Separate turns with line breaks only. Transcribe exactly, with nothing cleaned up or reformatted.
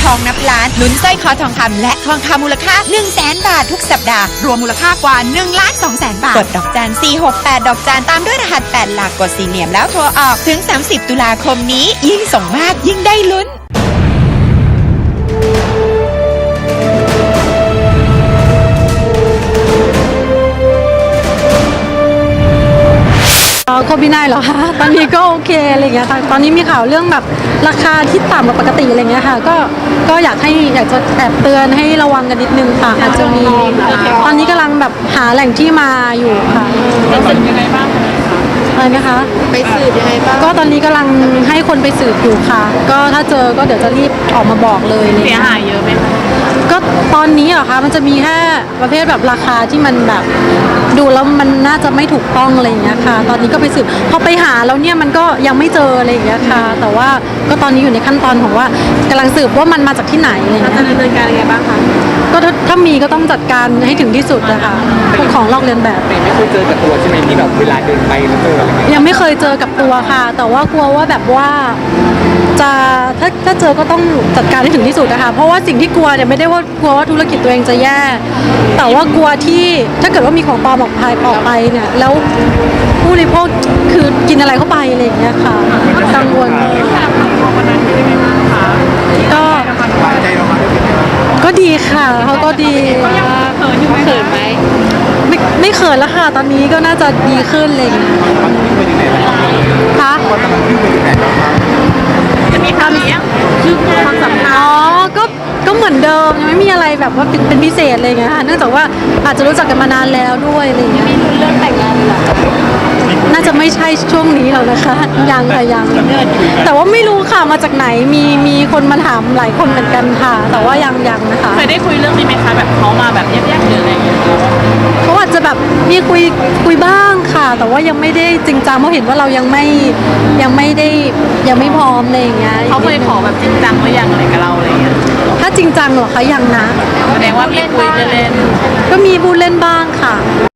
องนับล้านลุ้นสร้อยคอทองคำและทองคำมูลค่า หนึ่งแสน บาททุกสัปดาห์รวมมูลค่ากว่า หนึ่งล้านสองแสน บาทกดดอกจันสี่หกแปดดอกจันตามด้วยรหัสแปดหลักกดสี่เหลี่ยมแล้วโทรออกถึงสามสิบตุลาคมนี้ยิ่งส่งมากยิ่งได้ลุ้น
โควิดไนน์เหรอคะตอนนี้ก็โอเคอะไรเงี้ยค่ะตอนนี้มีข่าวเรื่องแบบราคาที่ต่ำกว่าปกติอะไรเงี้ยค่ะก็ก็อยากให้อยากจะแอบเตือนให้ระวังกันนิดนึงค่ะอาจจะมีตอนนี้กำลังแบบหาแหล่งที่มาอยู่ค่ะ
ไปสืบยังไงบ้าง
อะไรนะคะ
ไปสืบยังไงบ้าง
ก็ตอนนี้กำลังให้คนไปสืบอยู่ค่ะก็ถ้าเจอก็เดี๋ยวจะรีบออกมาบอกเลย
เสียหายเยอะไหมคะ
ก็ตอนนี้เหรอคะมันจะมีแค่ประเภทแบบราคาที่มันแบบดูแล้วมันน่าจะไม่ถูกต้องอะไรอย่างเงี้ยค่ะตอนนี้ก็ไปสืบพอไปหาแล้วเนี่ยมันก็ยังไม่เจออะไรอย่างเงี้ยค่ะแต่ว่าก็ตอนนี้อยู่ในขั้นตอนของว่ากำลังสืบว่ามันมาจากที่ไหนอะไรอย่างเงี้ย
จะดำเนินการยังไงบ้างคะ
ก็ถ้ามีก็ต้องจัดการให้ถึงที่สุดนะคะพวกของลอกเลียนแบบ
ไม่เคยเจอกับตัวใช่ไหมที่แบบเวลาเดินไปแล้วเจออะไร
ยังไม่เคยเจอกับตัวค่ะแต่ว่ากลัวว่าแบบว่าจะถ้าถ้าเจอก็ต้องจัดการให้ถึงที่สุดนะคะเพราะว่าสิ่งที่กลัวเนี่ยไม่ได้ว่ากลัวว่าธุรกิจตัวเองจะแย่แต่ว่ากลัวที่ถ้าเกิดว่ามีของปลอมออกไปออกไปเนี่ยแล้วผู้บริโภคคือกินอะไรเข้าไปอะไรอย่างเงี้ยค่ะกังวลก็ก็ดีค่ะเขาก็ดี
เขินไหม
ไม่ไม่เขินแล้วค่ะตอนนี้ก็น่าจะดีขึ้นเลยค่ะ
จะมีความเลี้ยงคือความสัมพันธ์
อ๋อก็ก็เหมือนเดิมยังไม่มีอะไรแบบว่าเป็นเป็นพิเศษอะไรเงี้ยค่ะเนื่องจากว่าอาจจะรู้จักกันมานานแล้วด้วยอะไรเงี้ย
มีลุ้นเรื่องแต่งงานเหรอ
น่าจะไม่ใช่ช่วงนี้หรอกนะคะยังค่ะยังแต่ว่าไม่รู้ค่ะมาจากไหนมีมีคนมาถามหลายคนเหมือนกันค่ะแต่ว่ายังยังนะคะ
เคยได้คุยเรื่องนี้ไหมคะแบบเขามาแบบแยกๆหรืออะไรอย่างเงี้ย
เขาอาจจะแบบมีคุยคุยบ้างค่ะ แต่ว่ายังไม่ได้จริงจังเพราะเห็นว่าเรายังไม่ยังไม่ได้ยังไม่พร้อมอะไรอย่างเงี้ย
เขาเคยขอแบบจริงจังหรือยังอะไรกับเราอะไรเงี้ย
ถ้าจริงจังเหรอคะยังนะ
แสดงว่ามีคุยเล่น
ก็มีพูดเล่นบ้างค่ะ